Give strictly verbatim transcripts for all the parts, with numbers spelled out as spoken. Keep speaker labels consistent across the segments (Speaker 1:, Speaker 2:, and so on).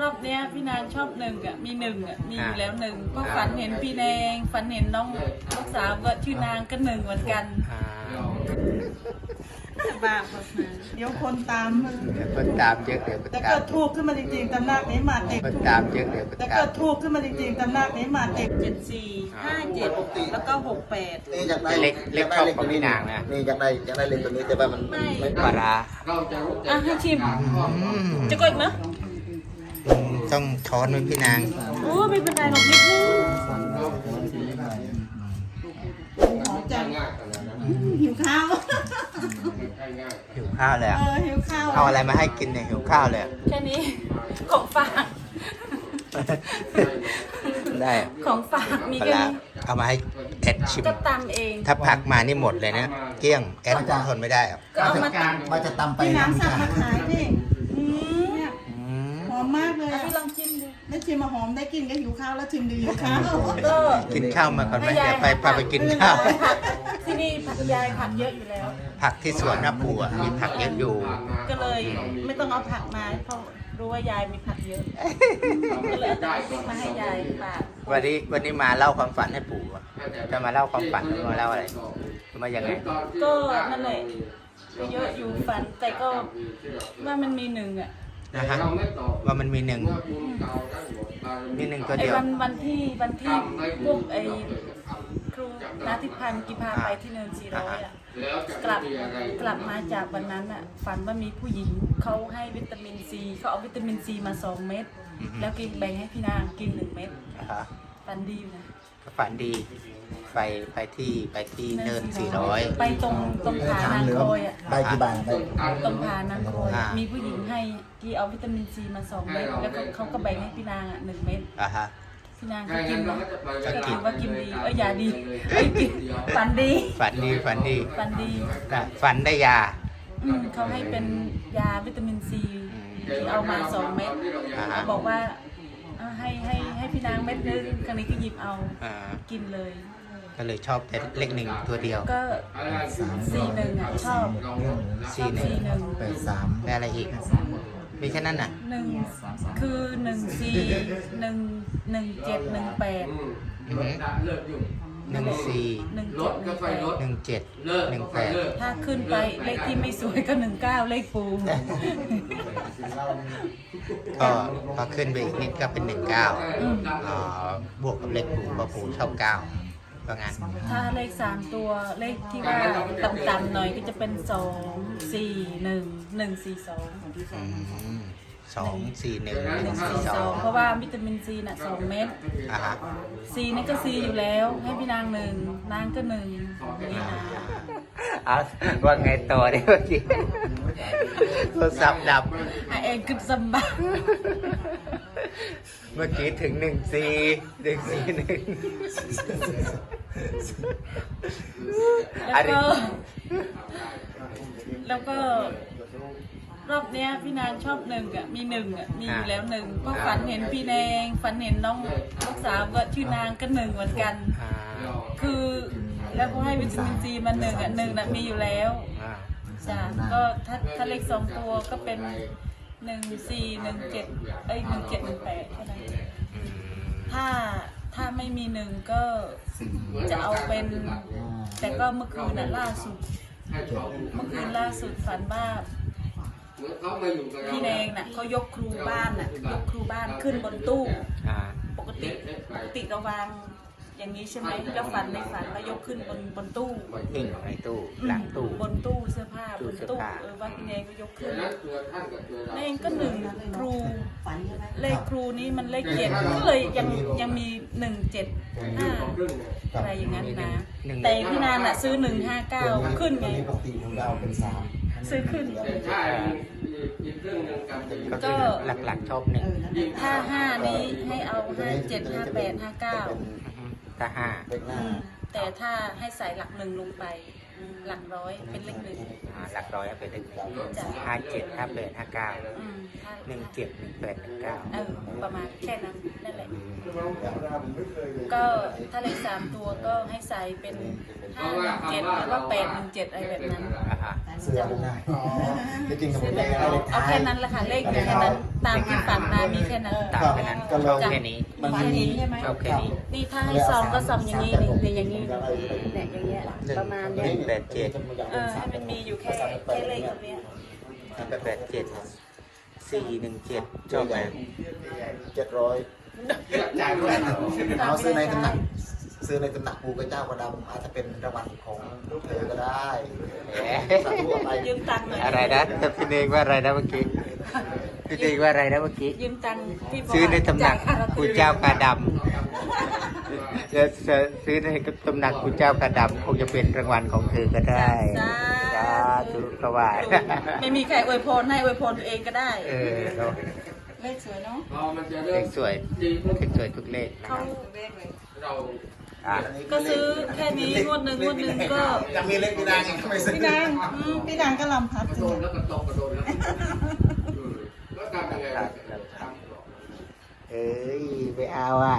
Speaker 1: อบเนี้ยพี่นางชอบหนึ่งอ่ะมีหนึ่งอ่ะมีอยู่แล้วหนึ่งก็ฝันเห็นพี่แดงฝันเห็นน้องลูกสาวก็ชื่อนางก็หนึ่งเหมือนกันบ้าพอสนาเดี๋ยวคนตาม
Speaker 2: เดี๋ยวคนตามเยอะเดี๋ยวคน
Speaker 1: แต่
Speaker 2: ตาม
Speaker 1: ก็ถูกขึ้นมาจริงๆตำหนักนี้มาเต็ม
Speaker 2: คนตามเยอะเดี๋ยวคน
Speaker 1: แต่
Speaker 2: ตา
Speaker 1: ก็
Speaker 2: ม
Speaker 1: ถูกขึ้นมาจริงๆตำหนักนี้มาเต็มเจ็ดสี่ห้าเจ็ดแล้วก็หกแปด
Speaker 3: นี่อยากได้
Speaker 2: เล็กเล็กชอบของพี่นางนะ
Speaker 3: นี่อยากได้อยากได้เล็กตัวนี้แต่ว่ามันไม่
Speaker 2: ปลาร้า
Speaker 1: อ่ะให้ชิมจะกดมั้ย
Speaker 2: ต้องช้อนไว้พี่นาง
Speaker 1: โอ้ไม่เป็นไรหรอกนิดนึงหอมจังหิวข้าว
Speaker 2: หิวข้าวเลย
Speaker 1: เออหิวข้าว
Speaker 2: เอาอะไรมาให้กินเนี่ยหิวข้าวเลย
Speaker 1: แค่นี้ของฝาก
Speaker 2: ได้
Speaker 1: ของฝากมี
Speaker 2: ปลา
Speaker 1: แค่
Speaker 2: ร้า
Speaker 1: นี้
Speaker 2: เอามาให้แอดชิม
Speaker 1: ก็ตำเอง
Speaker 2: ถ้าผักมานี่หมดเลยนะเกลี้ยงแอดทนไม่ได้อะ
Speaker 1: ก็เอามา
Speaker 3: ว่าจะตำไป
Speaker 1: พี่น้ำสั่งมาขายพี่อืมเนี่ย
Speaker 2: อืม
Speaker 1: หอมมากเลยพี่ลองชิมดูได้ชิมมาหอมได้กินก็หิวข้าวแล้วชิมดีหิวข้าวก็
Speaker 2: กินข้าวมาก่อนไหมเดี๋ยวไปพาไปกินข้าว
Speaker 1: ที่นี่ผักยายผักเยอะอยู่แล้ว
Speaker 2: ผักที่สวนน้าปูอ่ะมีผักเยอะอยู่ ก็
Speaker 1: ก็เลยไม่ต้องเอาผักมาเพราะรู้ว่ายายมีผักเยอะก็เลยเอาพริกมาให้ยายฝาก
Speaker 2: วันนี้วันนี้มาเล่าความฝันให้ปู่อะจะมาเล่าความฝันหรือมาเล่าอะไรมายังไง
Speaker 1: ก็นั่นแหละก็เยอะอยู่ฝันแต่ก็ว่ามันมีหนึ่งอ่ะ
Speaker 2: นะฮะว่ามันมีหนึ่งมีหนึ่งตัว
Speaker 1: ไอ้
Speaker 2: เดียว
Speaker 1: วันวันที่วันที่พวกไอ้ครูนาทิพันธ์กิพาไปที่เนินสี่ร้อยอ่ะกลับกลับมาจากวันนั้นอ่ะฝันว่ามีผู้หญิงเขาให้วิตามินซีเขาเอาวิตามินซีมาสองเม็ดแล้วกินแบ่งให้พี่นางกินหนึ่งเม็ด
Speaker 2: นะฮะ
Speaker 1: ฝันดีอยู่นะ
Speaker 2: ก็ฝันดีไปไปที่ไปที่เนินสี่ร้อย
Speaker 1: ไปตรงตรงผานางโคอยอ่ะ
Speaker 3: ได้กี่บาทได้
Speaker 1: ตรงผานางโคอยอะมีผู้หญิงให้กีเอาวิตามินซีมาสองเม็ดแล้วก็เขาก็แบ่งให้พี่นางอ่ะหนึ่งเม็ด
Speaker 2: อ่ะฮะ
Speaker 1: พี่นางก็กินนะก็ถือว่ากินดีเอ้ยยาดีเอ้ยกินฝันดี
Speaker 2: ฝันดีฝันดี
Speaker 1: ฝันดี
Speaker 2: นะฝันได้ยา
Speaker 1: อืมเขาให้เป็นยาวิตามินซีที่เอามาสองเม็ด
Speaker 2: อ่าฮะ
Speaker 1: บอกว่าเอาให้ให้ให้พี่นางเม็ดนึงครั้งนี้ก็หยิบเอา
Speaker 2: อ่า
Speaker 1: กินเลย
Speaker 2: ก็เลยชอบแต่เลขหนึ่งตัวเดียว
Speaker 1: ก็สี่หนึ่งอ่ะชอบช
Speaker 2: สี่
Speaker 1: อบ
Speaker 2: หนึ่ง
Speaker 1: สี่หนึ่ง
Speaker 3: แปดสาม
Speaker 2: ได้อะไรอีกมีแค่นั้นน่ะ
Speaker 1: หนึ่งคือหนึ่งสี่หนึ่งหนึ่งเจ็ดหนึ่งแปด
Speaker 2: อือหือหนึ่งสี่
Speaker 1: หนึ่งเจ็ดหนึ่งแปด
Speaker 2: หนึ่งเจ็ดหนึ่งแปด
Speaker 1: ถ้าขึ้นไปเลขที่ไม่สวยก็หนึ่งเก้าเลขปู
Speaker 2: ก็พอขึ้นไปอีกนิดก็เป็นหนึ่งเก้าอ๋อบวกกับเลขปู่เพราะปู่ชอบเก้าว่างั้น
Speaker 1: ถ้าเลขสามตัวเลขที่ว่าต่ำๆหน่อยก็จะเป็นสองสี่หนึ่งหนึ่งสี่สอง
Speaker 2: อืมสองสี่หนึ่งห
Speaker 1: ห
Speaker 2: นึ่
Speaker 1: นึ่
Speaker 2: ง
Speaker 1: ง
Speaker 2: สี่
Speaker 1: สี่
Speaker 2: ส
Speaker 1: ส
Speaker 2: อ
Speaker 1: อง งเพราะว่าวิตามินซีน่ะสองเม็ด
Speaker 2: อ่ะฮะ
Speaker 1: ซีนี่ก็ซีอยู่แล้ว ให้พี่นางหนึ่งนางก็หนึ่งนี่นะ
Speaker 2: เอาว่าไงต่อเนี่ยเมื่อกี้โทรศัพท์ดับ
Speaker 1: อ่ะเองกึบสมบัติ
Speaker 2: เมื่อกี้ถึงหนึ่งสี่หนึ่งสี่หนึ่ง
Speaker 1: แล้วก็แล้วก็รอบเนี้ยพี่นางชอบหนึ่งอ่ะมีหนึ่งอ่ะมีอยู่แล้วหนึ่งก็ฝันเห็นพี่แดงฝันเห็นน้องลูกสาวก็ชื่อนางก็หนึ่งเหมือนกัน
Speaker 2: อ่า
Speaker 1: คือแล้วก็ให้วิตามินซีมาหนึ่งอ่ะหนึ่งน่ะมีอยู่แล้ว
Speaker 2: อ่า
Speaker 1: จ้ะก็ถ้าถ้าเลขสองตัวก็เป็นหนึ่งสี่หนึ่งเจ็ดเอ้ยหนึ่งเจ็ดหนึ่งแปดแค่นั้น
Speaker 2: อืม
Speaker 1: ถ้าถ้าไม่มีหนึ่งก็จะเอาเป็น แต่ก็เมื่อคืนน่ะล่าสุด เมื่อคืนล่าสุดฝันว่าพี่แดงน่ะเขายกครูบ้านน่ะยกครูบ้านขึ้นบนตู้
Speaker 2: อ่า
Speaker 1: ปกติปกติเราวางอย่างนี้ใช่ไหมแล้วฝันในฝันแล้วยกขึ้นบนบนตู้
Speaker 2: หิ้งในตู้หลังตู้
Speaker 1: บนตู้เสื้อผ้า
Speaker 2: ตู้
Speaker 1: บน
Speaker 2: เสื้อ
Speaker 1: ตู้
Speaker 2: ผ้า
Speaker 1: เออว่าพี่แดงก็ยกขึ้นแดงก็หนึ่งครูเลขครูนี้มันเลขเจ็ดก็เลยยังยังมีหนึ่งเจ็ดห้าอะไรอย่างนั้นนะแต่พี่นานอ่ะซื้อหนึ่งห้าเก้าขึ้นไง
Speaker 3: ปกติของเราเป็นสาม
Speaker 1: ซื้อขึ้น
Speaker 2: ก็คือหลักๆชอบหนึ่ง
Speaker 1: ถ้าห้านี้ให้เอาห้าเจ็ดห้าแปดห้าเก้า
Speaker 2: ถ้าห้า
Speaker 3: เลขหน้า
Speaker 1: แต่ถ้าให้ใส่หลักหนึ่งลงไป หลักร้อยเป็นเลขหนึ่ง
Speaker 2: อ่าหลักร้อยเอาเป็นเลขหนึ่ง
Speaker 1: จ้ะ
Speaker 2: ห้าเจ็ดห้าแปดห้าเก้า
Speaker 1: อืมถ้า
Speaker 2: หนึ่งเจ็ดหนึ่งแปดหนึ่งเก้า
Speaker 1: เออประมาณแค่นั้นนั่นแหละ ก็ถ้าเลขสามตัวก็ให้ใส่เป็นห้าหนึ่งเจ็ดหรือว่าแปดหนึ่งเจ็ดอะไรแบบนั้น
Speaker 2: อ่าฮะ
Speaker 3: เสื้อดูได้จริงๆผมได้เลข
Speaker 1: เอา
Speaker 3: ท้าย
Speaker 1: แค่นั้นแหละค่ะเลขมีแค่นั้นตามที่ฝันมามีแค่นั้น
Speaker 2: ตามแค่นั้น
Speaker 3: ก็
Speaker 2: ช
Speaker 3: เรา
Speaker 2: อบแค่นี้
Speaker 3: มัน
Speaker 1: แค่นี้ใช่ไหม
Speaker 2: ชอบแค่นี้
Speaker 1: นี่ถ้าให้ซองก็ซองอย่างนี้นี่เนี่ยอย่างนี้เนี่ยอย่างเงี้ยประมาณ
Speaker 2: ห
Speaker 1: เนี้ย
Speaker 2: นึ่งแปดเจ็ด
Speaker 1: เออให้มันมีอยู่แค่แค่เลขตรงเนี้ย
Speaker 2: หนึ่งแปดเจ็ดสี่หนึ่งเจ็ดชอบไหม
Speaker 3: เจ็ดร้อยเอาซื้อในตำหนักซื้อในตำหนักปูกระเจ้ากระดำอาจจะเป็นรางวัลของเธอก็ได้สาธุอะไร
Speaker 1: ยืมตังค์หน่อย
Speaker 2: อะไรนะแต่พี่เองว่าอะไรนะเมื่อกี้พี่เองว่าอะไรนะเมื่อกี้
Speaker 1: ยืมตังค์พี่บก
Speaker 2: ซื้อในตำหนัก
Speaker 1: จ่ยค่ลอตตอ
Speaker 2: กู
Speaker 1: รี่
Speaker 2: เจ้ากาดำจะจะซื้อในตำหนักกูเจ้ากาดำคงจะเป็นรางวัลของเธอก็ได้สาธุก็ว่า
Speaker 1: ไม่มีใครอวยพรให้อวยพรตัวเองก็ได้
Speaker 2: เออเนาะ
Speaker 1: เลขสวยเนาะ
Speaker 2: เลขสวยเลขสวยทุกเลขนะค
Speaker 1: เขา
Speaker 2: รับ อ่ะ
Speaker 1: ก็ซื้อแค่นี้งวดหนึ่งงวดหนึ่งก็
Speaker 3: ยังมีเลขพี่นางยังไม่ซื้อ
Speaker 1: พี่นางอืมพี่นางก็ลำพัด
Speaker 4: โดนแล้วก็ตกกระโดนแล้วแล้วทำยังไงล่ะ
Speaker 2: เอ้ยไปเอาอ่ะ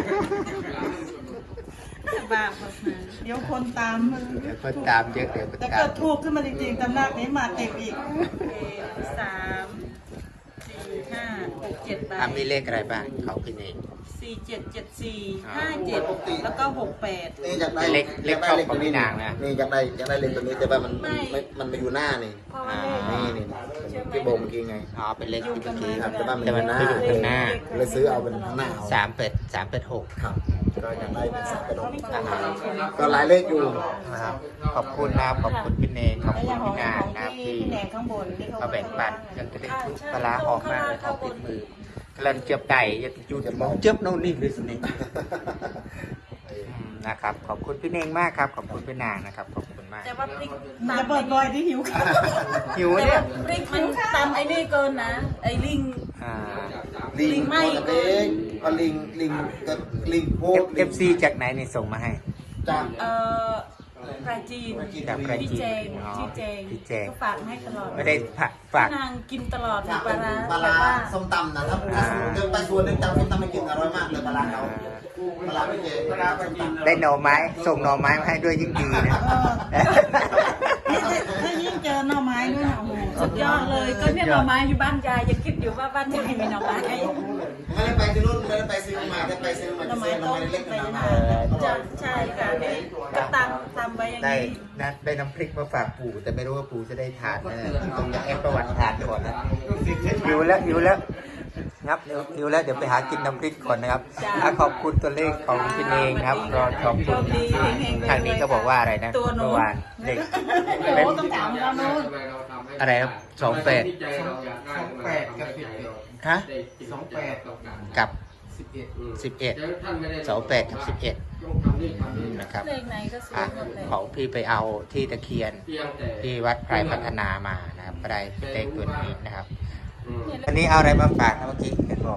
Speaker 1: บาปมา
Speaker 5: เดี๋ยวคนตามมัน
Speaker 2: เดี๋ยวคนตามเยอะเดี๋ยวคน
Speaker 5: แต่
Speaker 2: ตา
Speaker 5: เกิ
Speaker 2: ม
Speaker 5: ดถูกขึ้นมาจริงๆตำหนักนี้มาเต็มอีก
Speaker 1: สามสี่ห้าหกเจ็ดใบ
Speaker 2: อ่ะมีเลขอะไรบ้างเขาพี่เอง
Speaker 1: สี่เจ็ดเจ็ดสี่ห้าเจ็ดแล้วก็หกแปด
Speaker 3: นี่อยากได้
Speaker 2: เลขเลขชอบของพี่นางนะ
Speaker 3: นี่อยากได้อยากได้เลขตัวนี้แต่ว่ามันไม่มันมาอยู่หน้านี่
Speaker 1: เพราะว่าเลข
Speaker 3: นี่นี่พี่โบเมื่อกี้ไง
Speaker 2: อ๋อเป็นเลขที่เมื่อกี้
Speaker 3: ครับแต่ว่ามัน
Speaker 2: แต่มัน
Speaker 3: อยู่
Speaker 2: คืออยู่ข้างหน้า
Speaker 3: เลยซื้อเอาเป็นข้างหน้าเอา
Speaker 2: สามเป็ดสามเป็ดหก
Speaker 3: ครับก็อยากได้เป็นสามกระดกก็หลายเลขอยู่
Speaker 2: นะครับขอบคุณนะครับขอบคุณพี่เนงขอบ
Speaker 5: แล้ว
Speaker 2: คุ
Speaker 5: อ
Speaker 2: ณ
Speaker 5: ย่างของ
Speaker 2: พี่นาง
Speaker 5: ของ
Speaker 2: นะครับ
Speaker 5: ที่
Speaker 2: ที่
Speaker 5: พี่แหนงข้างบนที่เขา
Speaker 2: มาแบ่งปันยังจะได้ทุกปลาร้าหอมมากเลยหอมติดมือกำลังเจียบไก่จะจูจะมองเจียบโน่นนี่เลยสินี่อืมนะครับขอบคุณพี่เนงมากครับขอบคุณพี่นางนะครับขอบคุณมาก
Speaker 1: แต่ว่าพริก
Speaker 5: มันจะเปิดบอยที่หิวข้าว
Speaker 2: หิว
Speaker 1: แต่
Speaker 2: เนี่
Speaker 1: ว่าย พริกมันตามไอ้นี่เกินนะ ไอ้ลิง
Speaker 2: อ่า
Speaker 3: ลิง
Speaker 1: ไม่
Speaker 3: ตัวเล็กก็ลิงลิงก็ลิงโพด
Speaker 2: เอฟซีจากไหนนี่ส่งมาให้
Speaker 3: จาก
Speaker 1: เอ่อปลาจีน
Speaker 2: จากปลาจีน
Speaker 1: พี่เจง
Speaker 2: อ๋อ
Speaker 1: พี่เจง
Speaker 2: พี่เจง
Speaker 1: ก็ฝากให้ตลอด
Speaker 2: ไม่ได้ฝากฝาก
Speaker 1: นางกินตลอด
Speaker 3: จาก
Speaker 1: ปลาร้า
Speaker 3: ปลา
Speaker 1: แต่
Speaker 3: ร้า
Speaker 1: ว่า
Speaker 3: ส้มตำนะครับถ้าสมมติเดินไปสวนนึงจำส้มตำไม่กินอร่อยมากเลยปลาร้าเขาปลาร้าไม่เจ๊ปลาร้าส้มตำ
Speaker 2: ได้หน่อไม้ส่งหน่อไม้มาให้ด้วยยิ่งดีนะ
Speaker 5: นี่ถ้ายิ่งเจอหน่อไม้ด้วยนะโอ้โห
Speaker 1: สุดยอดเลยก็เนี่ยหน่อไม้อยู่บ้านยายยังคิดอยู่ว่าบ้านยายมีหน่อไม้
Speaker 3: ไม่ได้ไปที่นู่นไม่ได้ไปซื้อมาได้ไปซื้อมาจะซื้อหน่อไม้เล็กๆหน่อไม้
Speaker 1: จะใช่ค่ะนี่ก็ตังทำไว้อย่าง
Speaker 2: ได้
Speaker 1: นี้
Speaker 2: นะได้น้ำพริกมาฝากปู่แต่ไม่รู้ว่าปู่จะได้ทานนะต้องจะแอบประวัติทานก่อนนะหิวแล้วหิวแล้วงับหิวหิวแล้วเดี๋ยวไปหากินน้ำพริกก่อนนะครับอ่ะขอบคุณตัวเลขของพี่เองนะครับรอขอบคุณทางนี้ก็บอกว่าอะไรนะ
Speaker 1: ตัวโน้
Speaker 2: เมื่อน วานเด็ก
Speaker 5: โอ้โหต้องถามเราโน้น
Speaker 2: อะไรครับสองแปด
Speaker 4: สองแปดกับสิบเอ็ด
Speaker 2: ฮะ
Speaker 4: สองแปด
Speaker 2: กับ
Speaker 4: สิบเอ็ด
Speaker 2: สิบเอ็ดสองแปดกับสิบเอ็ดนะครับ
Speaker 1: เลขไหนก็สว
Speaker 2: อ่ะ
Speaker 1: ยหมดเลย
Speaker 2: ของพี่ไปเอาที่ตะเคียนที่วัดไพรพัฒนามานะครับก็ได้เลขตัวนี้นะครับ อันนี้เอาอะไรมาฝากนะเมื่อกี้เห็นบอก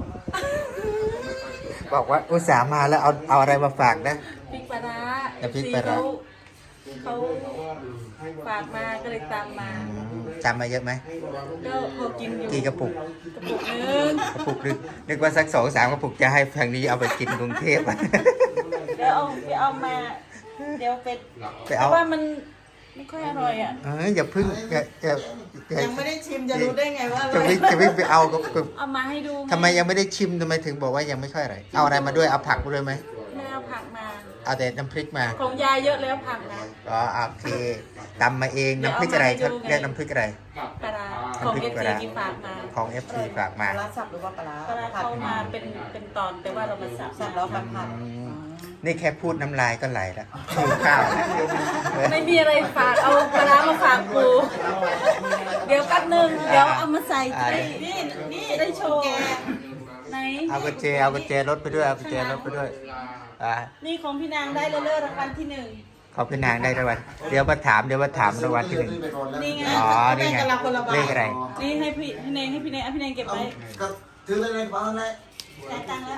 Speaker 2: บอกว่าอุตส่าห์มาแล้วเอาเอาอะไรมาฝากนะ
Speaker 1: พริกปลาร้า
Speaker 2: น้ำพริกปลาร้า
Speaker 1: เขาฝากมาก็เลยตามมา
Speaker 2: อืมจำมาเยอะไหม
Speaker 1: ก็พอกินอยู่
Speaker 2: กี่กระปุก
Speaker 1: กระปุกนึง
Speaker 2: กระปุกนึกนึกว่าสักสองสามกระปุกจะให้ทางนี้เอาไปกินกรุงเทพอะ
Speaker 1: เดี๋ยวเอาเดี๋ยวเอามา เดี๋ยวเป็ด
Speaker 2: ไป
Speaker 1: เพ
Speaker 2: เอา
Speaker 1: ราะว่ามันไม่ค่อยอร่อยอ่ะ
Speaker 2: เอออย่าพึ่งอย่าอย่าอย่า
Speaker 5: ยังไม่ได้ชิมจะรู้ได้ไงว่าอ
Speaker 2: จะ
Speaker 5: ร่อย
Speaker 2: วิ่งจะวิ่งไปเอาก็ก็
Speaker 1: เอามาให้ดูง
Speaker 2: ทำไมยังไม่ได้ชิมทำไมถึงบอกว่ายังไม่ค่อยอร่อยเอาอะไรมาด้วยเอาผักมาด้วยไหม
Speaker 1: แม่เอาผักมา
Speaker 2: เอาแต่น้ำพริกมา
Speaker 1: ของยายเยอะแล้วผักนะ
Speaker 2: อ๋อโอเคตำมาเองน้ำพริกอะไรเขาเรียกน้ำพริกอะไร
Speaker 1: ปลาร้าของเอฟซีที่ฝากมา
Speaker 2: ของ เอฟ ซี ฝากมา
Speaker 5: ปลาร้าสับหรือว่าปลาร้า
Speaker 1: ปลาร้าเข้ามาเป็นเป็นตอนแต่ว่าเรามาสับ
Speaker 5: สับแล้วผัดผัด
Speaker 2: อืมนี่แค่พูดน้ำลายก็ไหลแล้วหิวข้าวแล้ว
Speaker 1: ไม่มีอะไรฝากเอาปลาร้ามาฝากปูเดี๋ยวแป๊บนึงเดี๋ยวเอามาใส่จะได้นี่นี่ได้โชว์ไหน
Speaker 2: เอากุญแจเอากุญแจรถไปด้วยเอากุญแจรถไปด้วยอ่า
Speaker 1: นี่ของพี่นางได้เลื่อนรางวัลที่หนึ่ง
Speaker 2: ขอบพี่นางได้รางวัลเดี๋ยวมาถามเดี๋ยวมาถามรางวัลที่หนึ่ง
Speaker 1: นี่ไง
Speaker 2: อ๋อนี่ไงเลขอะไร
Speaker 1: นี่ให้พี่พี่เนงให้พี่เนงเอาพี่เนงเก็บไว้
Speaker 3: ก็ถือเลยในกระเป๋าเลย
Speaker 1: จ่ายตังค์แล้ว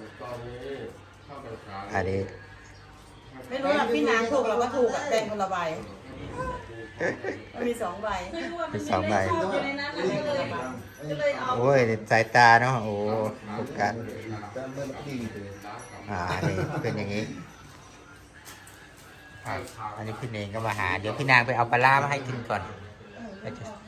Speaker 2: อันนี้
Speaker 5: ไม่รู้อ่ะพี่นางถูกเราก็ถูกอ่ะแบ่งคนละใบมันมีสองใบ
Speaker 1: ไม่รู้ว่ามันมีเลขชอบอยู่ในนั้นน่ะก็เลยก็เลยเอา
Speaker 2: โอ้ยสายตาเนาะโอ้โฟกัสอ่านี่เป็นอย่างนี้อ่ะอันนี้พี่เนงก็มาหา เดี๋ยวพี่นางไปเอาปลาร้ามาให้กินก่อน I just